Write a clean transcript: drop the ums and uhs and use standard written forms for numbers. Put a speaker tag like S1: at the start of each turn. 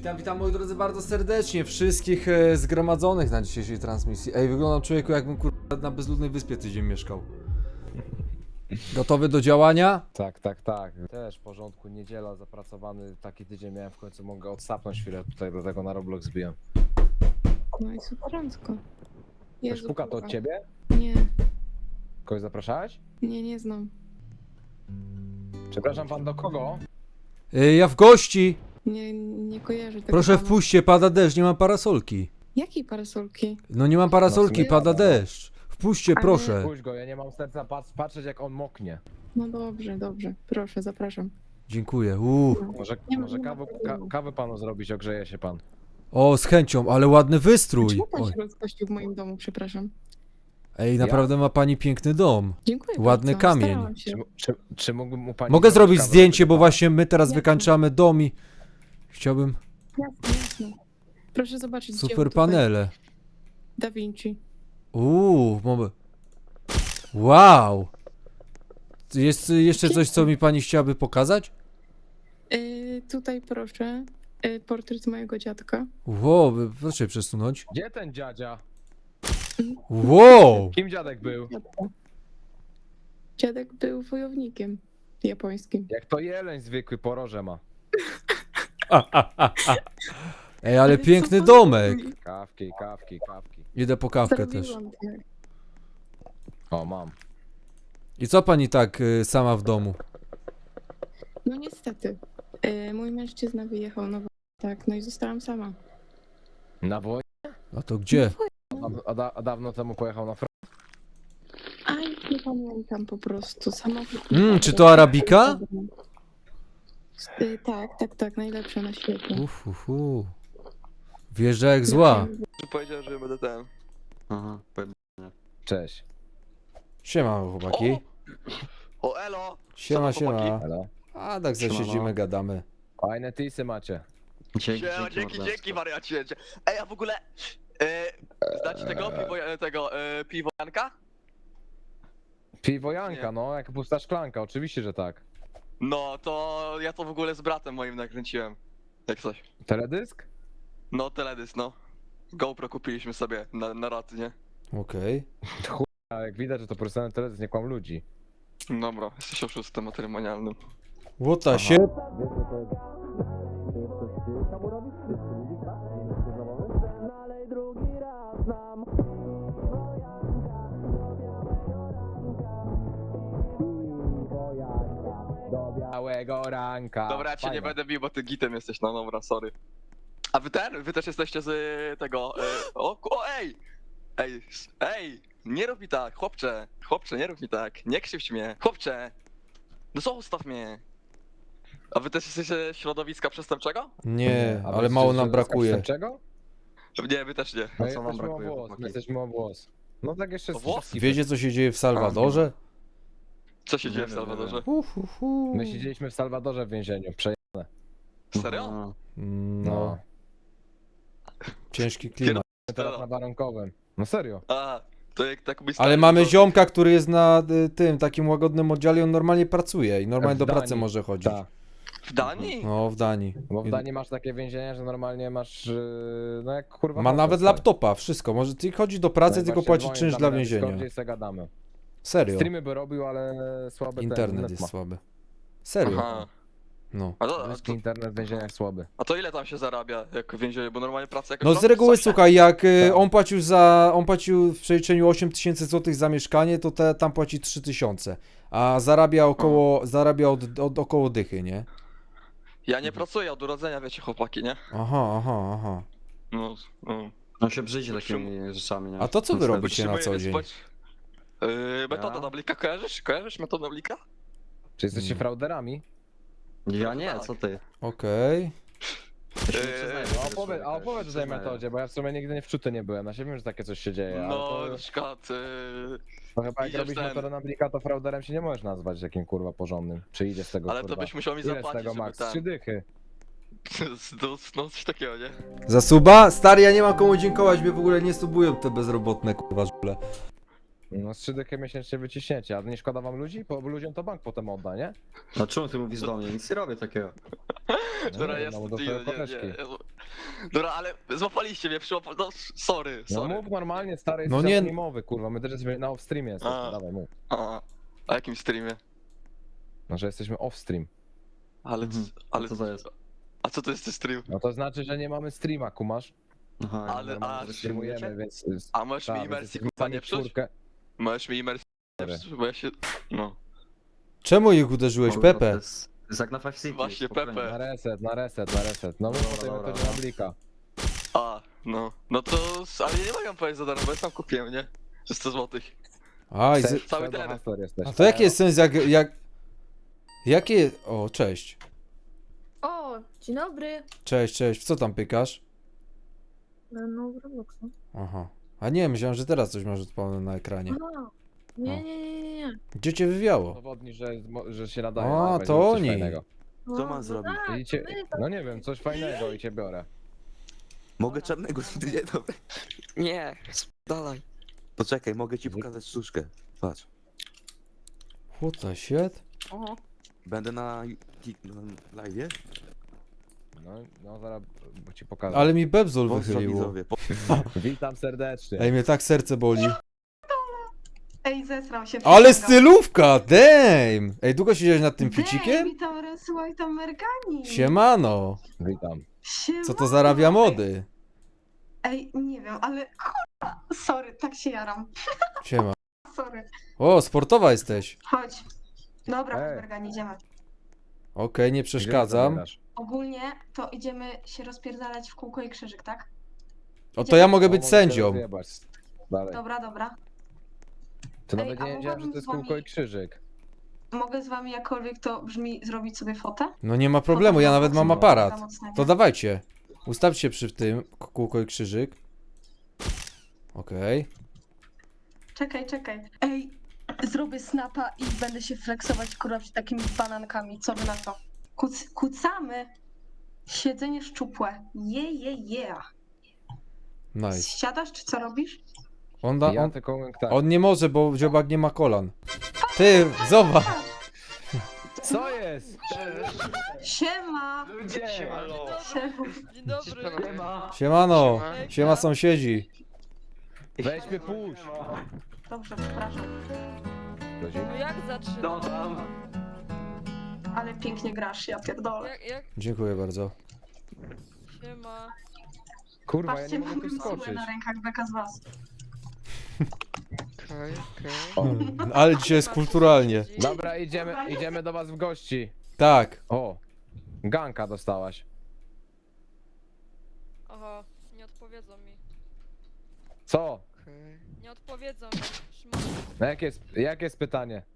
S1: Witam moi drodzy bardzo serdecznie wszystkich zgromadzonych na dzisiejszej transmisji. Ej, wyglądam człowieku jakbym kurwa na bezludnej wyspie tydzień mieszkał. Gotowy do działania?
S2: Tak. Też w porządku, niedziela, zapracowany taki tydzień miałem, w końcu mogę odsapnąć chwilę tutaj, dlatego na Roblox zbiłem.
S3: No i super porządku.
S2: Ktoś
S3: Jezu,
S2: puka to
S3: kurwa.
S2: od ciebie?
S3: Nie,
S2: Kogoś zapraszałeś?
S3: nie znam.
S2: Przepraszam pan, do kogo?
S1: Ja w gości!
S3: Nie kojarzę tego
S1: Proszę
S3: pana.
S1: wpuśćcie, pada deszcz, nie mam parasolki.
S3: Jakiej parasolki?
S1: No nie mam parasolki,
S2: sumie
S1: pada
S2: dobra.
S1: deszcz. Wpuśćcie,
S3: Ale-
S1: proszę.
S2: Puść go, ja nie mam serca patrzeć jak on moknie.
S3: No dobrze. Proszę, zapraszam.
S1: Dziękuję.
S2: Może,
S3: Nie ma-
S2: może
S3: nie ma
S2: kawę,
S3: problemu.
S2: kawę panu zrobić, ogrzeje się pan.
S1: O, z chęcią, ale ładny wystrój.
S3: Czemu pan
S1: Oj.
S3: się rozgościł w moim domu, przepraszam?
S1: Ej, naprawdę ma pani piękny dom.
S3: Dziękuję
S1: Ładny
S3: bardzo.
S1: kamień.
S3: Starałam się.
S2: Czy mógłbym mu pani...
S1: Mogę zrobić
S2: kawę
S1: zdjęcie, bo
S2: zrobić?
S1: właśnie my teraz
S3: Jasne.
S1: wykańczamy dom i chciałbym
S3: Jasne. Proszę zobaczyć dzieło
S1: super
S3: tutaj.
S1: panele.
S3: Da Vinci.
S1: Mamy. Wow! Jest jeszcze coś, co mi pani chciałaby pokazać?
S3: Tutaj proszę. Portret mojego dziadka.
S1: Wow, proszę przesunąć.
S2: Gdzie ten dziadzia?
S1: Wow!
S2: Kim dziadek był?
S3: Dziadek był wojownikiem japońskim.
S2: Jak to jeleń zwykły, poroże ma.
S1: Ej, ale
S3: co
S1: piękny
S3: pan
S1: domek.
S3: robi?
S2: Kawki.
S1: Idę po kawkę też.
S3: Zrobiłam tak.
S2: O, mam.
S1: I co pani tak sama w domu?
S3: No niestety. Mój mężczyzna wyjechał na wojnę. Tak, no i zostałam sama.
S2: Na wojnie?
S1: A to gdzie?
S2: A dawno temu pojechał na front?
S3: Aj, nie pamiętam po prostu. Samochód.
S1: Czy to arabika?
S3: Tak, najlepsze na świecie.
S1: Wjeżdża jak zła.
S4: Powiedział, że będę ten.
S5: Aha,
S2: Cześć.
S1: Siema chłopaki.
S4: O, elo!
S1: Siema,
S4: Co tam, chłopaki?
S1: siema.
S2: Hello.
S1: A tak
S5: Siemano.
S1: zasiedzimy, gadamy.
S2: Fajne tisy macie.
S4: Dzięki wariacie. Ej, a w ogóle... Znacie tego piwojanka?
S2: Piwo Janka,
S4: Nie.
S2: no, jak pusta szklanka, oczywiście, że tak.
S4: No, to ja to w ogóle z bratem moim nakręciłem. Jak coś.
S2: Teledysk?
S4: No, teledysk, no. GoPro kupiliśmy sobie na raty, nie?
S1: Okej.
S2: A jak widać, że to profesjonalny teledysk, nie kłam ludzi.
S4: Dobra, jesteś oszustem matrymonialnym.
S1: What the shit?
S2: Białego ranka.
S4: Dobra, ja cię nie będę bił, bo ty gitem jesteś, no dobra, sorry. A wy też jesteście z tego... ej! Ej! Nie rób mi tak, chłopcze! Chłopcze, nie rób mi tak, nie krzywdź mnie! Chłopcze! No zostaw mnie! A wy też jesteście z środowiska przestępczego?
S1: Nie, ale mało nam brakuje.
S2: Czego?
S4: Nie, wy też nie.
S5: A co wam brakuje, chłopaki?
S2: My jesteśmy o włos. No tak jeszcze
S4: O włos?
S1: Wiecie co się dzieje w Salwadorze?
S4: Co się
S5: Nie
S4: dzieje w
S5: wiem,
S4: Salwadorze?
S2: My siedzieliśmy w Salwadorze w więzieniu.
S4: Serio?
S1: No, ciężki klimat.
S2: Teraz na warunkowym. No serio.
S4: A, to jak tak byś
S1: Ale mamy ziomka, który jest na tym takim łagodnym oddziale, on normalnie pracuje i normalnie
S2: W
S1: do pracy
S2: Danii.
S1: może chodzić.
S2: Tak.
S4: W Danii?
S1: No, w Danii.
S2: Bo w Danii masz takie więzienia, że normalnie masz, no jak kurwa...
S1: Ma
S2: hotel,
S1: nawet
S2: stary.
S1: laptopa, wszystko. Może ty chodzi do pracy,
S2: No i
S1: tylko
S2: właśnie
S1: płaci
S2: dzwonię
S1: czynsz
S2: tam
S1: dla
S2: na
S1: więzienia.
S2: Discordzie i se gadamy.
S1: Serio.
S2: Streamy by robił, ale słaby
S1: Internet
S2: ten
S1: jest
S2: ma.
S1: słaby. Serio.
S4: Aha.
S1: No.
S2: Polski internet w więzieniach słaby.
S4: A to ile tam się zarabia, jak w więzieniu, bo normalnie praca jakoś...
S1: No z
S4: robisz
S1: reguły
S4: coś?
S1: słuchaj, jak
S2: Tak.
S1: on płacił w przeliczeniu 8000 zł za mieszkanie, to tam płaci 3000. A zarabia od około dychy, nie?
S4: Ja nie pracuję od urodzenia, wiecie, chłopaki, nie?
S1: Aha.
S4: No, no.
S5: On się brzydzi takimi rzeczami, nie?
S1: A to co wy
S5: Niestety.
S1: robicie na co dzień?
S4: Metoda
S5: Ja?
S4: Noblika, kojarzysz? Kojarzysz metodę Noblika?
S2: Czy jesteście
S1: Mm.
S2: frauderami?
S5: Ja nie, co ty?
S1: Okej.
S5: Ja się nie przyznaję do
S2: A
S5: tego
S2: opowiedz,
S5: człowieka, ja się
S2: o
S5: nie
S2: tej
S5: przyznaję.
S2: metodzie, bo ja w sumie nigdy nie wczuty nie byłem. Ja się wiem, że takie coś się dzieje, ale
S4: No,
S2: to,
S4: na przykład...
S2: to chyba jak
S4: idziesz
S2: robisz
S4: ten-
S2: metodę na blika, to frauderem się nie możesz nazwać jakim kurwa porządnym. Czy idzie z tego
S4: Ale
S2: kurwa?
S4: to byś musiał mi
S2: Ile z
S4: zapłacić,
S2: tego
S4: żeby
S2: max?
S4: ten...
S2: 3 dychy.
S4: No, coś takiego, nie?
S1: Za suba? Stary, ja nie mam komu dziękować, mnie w ogóle nie subują te bezrobotne kurwa żule.
S2: No z 3 dychy miesięcznie wyciśnięcie, a nie szkoda wam ludzi? Bo ludziom to bank potem odda, nie?
S5: A czemu ty mówisz do mnie? Nic nie robię takiego.
S4: Dobra,
S2: nie,
S4: jest.
S2: no, do
S4: Nie,
S2: twojej
S4: nie,
S2: koleżki.
S4: nie. Dobra, ale złapaliście mnie, no sorry,
S2: No
S4: sorry.
S2: mów normalnie, stary,
S1: No
S2: jest
S1: nie-
S2: mowy, kurwa, my też jesteśmy na off-streamie jesteśmy,
S4: A.
S2: dawaj mów.
S4: A jakim streamie?
S2: No, że jesteśmy off-stream.
S4: Ale,
S5: Mhm.
S4: ale
S5: Co to jest?
S4: A co to jest ten stream?
S2: No to znaczy, że nie mamy streama, kumasz?
S5: Aha,
S4: Ale-
S5: normalnie,
S4: a,
S5: że streamujecie?
S2: Streamujemy, więc...
S4: A możesz mi
S2: tak,
S4: imersji
S2: więc
S4: kurwa nie
S2: jesteśmy
S4: psuć?
S2: czwórkę.
S4: Możesz mi imersji nie
S2: Dobra.
S4: psuć, bo ja się... No.
S1: Czemu ich uderzyłeś,
S5: Kurwa,
S1: Pepe?
S5: To jest jak na Five City.
S4: Właśnie,
S5: spokojnie.
S4: Pepe.
S2: Na reset, na reset, na reset. No mów
S5: Dobra,
S2: potem
S5: dobra,
S2: to
S5: no.
S2: na blika.
S4: A, no. No to... Ale ja nie mogę powiedzieć za darmo, bo ja sam kupiłem, nie? Za 100 złotych.
S1: A, i z...
S4: Cały teren.
S2: Hasler jesteś.
S1: A to jaki jest sens, Jakie... O, cześć.
S6: O, dzień dobry.
S1: Cześć, cześć. W co tam pykasz?
S6: No, w Robloxu.
S1: Aha. A nie, myślałem, że teraz coś masz odpalone na ekranie.
S6: Aha. Nie.
S1: Gdzie cię wywiało?
S2: Dowodni, że się nadaje.
S1: A,
S2: dawaj,
S1: to
S2: zrób coś
S1: oni.
S2: fajnego.
S7: Co mam zrobić?
S2: I cię... No nie wiem, coś fajnego i cię biorę.
S7: Mogę czarnego, nie, dobra.
S8: Nie, dalej.
S7: Poczekaj, mogę ci pokazać sztuczkę. Patrz.
S1: What the shit?
S6: Oho.
S7: Będę na live.
S2: No zaraz bo ci pokażę.
S1: Ale mi bebzol
S7: Pozdro
S1: wychyliło.
S7: widzowie.
S2: Witam serdecznie.
S1: Ej, mnie tak serce boli.
S3: Ej, zesrał się.
S1: Ale
S3: przysięgam.
S1: stylówka, damn! Ej, długo siedziałeś nad tym ficikiem?
S3: Witam, Resła i tam Mergani.
S1: Siemano.
S2: Witam.
S1: Co to zarabia mody?
S3: Ej, nie wiem, ale kurwa, sorry, tak się jaram.
S1: Siema.
S3: Sorry.
S1: O, sportowa jesteś.
S3: Chodź. Dobra,
S2: Ej.
S3: Mergani, idziemy.
S1: Okej, nie przeszkadzam.
S2: Gdzie zabierasz?
S3: Ogólnie to idziemy się rozpierdalać w kółko i krzyżyk, tak?
S1: O, to ja mogę
S2: O,
S1: być
S2: mogę
S1: sędzią.
S2: się rozjebać. Dalej.
S3: Dobra.
S2: To
S3: Ej,
S2: nawet
S3: a
S2: nie wiedziałem, że
S3: mogłabym
S2: to jest
S3: z wami-
S2: kółko i krzyżyk.
S3: Mogę z wami jakkolwiek to brzmi zrobić sobie fotę?
S1: No nie ma problemu, ja nawet mam aparat.
S3: Mocnego.
S1: To dawajcie. Ustawcie się przy tym, kółko i krzyżyk. Okej.
S3: Czekaj. Ej, zrobię snapa i będę się flexować kurwa przed takimi banankami. Co wy na to? Kucamy. Siedzenie szczupłe. Yeah.
S1: Nice.
S3: Siadasz czy co robisz?
S2: Ja tylko mówię tak.
S1: On nie może, bo dziobak nie ma kolan. Ty, zobacz.
S2: Co jest?
S3: Siema! Siema.
S8: Dzień dobry.
S1: Siemano. Siema sąsiedzi.
S2: Weź mnie puść.
S3: Dobrze, przepraszam.
S8: No jak zaczynam?
S3: Ale pięknie grasz, ja pierdolę.
S8: Jak
S1: Dziękuję bardzo.
S8: siema?
S2: Kurwa, ja
S3: Patrzcie,
S2: nie mogę
S3: mam
S2: tu
S3: siłę
S2: skoczyć.
S3: na rękach beka z was.
S8: Okej.
S1: Ale dzisiaj jest kulturalnie.
S2: Dobra, idziemy do was w gości.
S1: Tak.
S2: O, ganka dostałaś.
S8: Aha, nie odpowiedzą mi.
S2: Co?
S8: Nie odpowiedzą mi. Szmata.
S2: No jakie jest pytanie?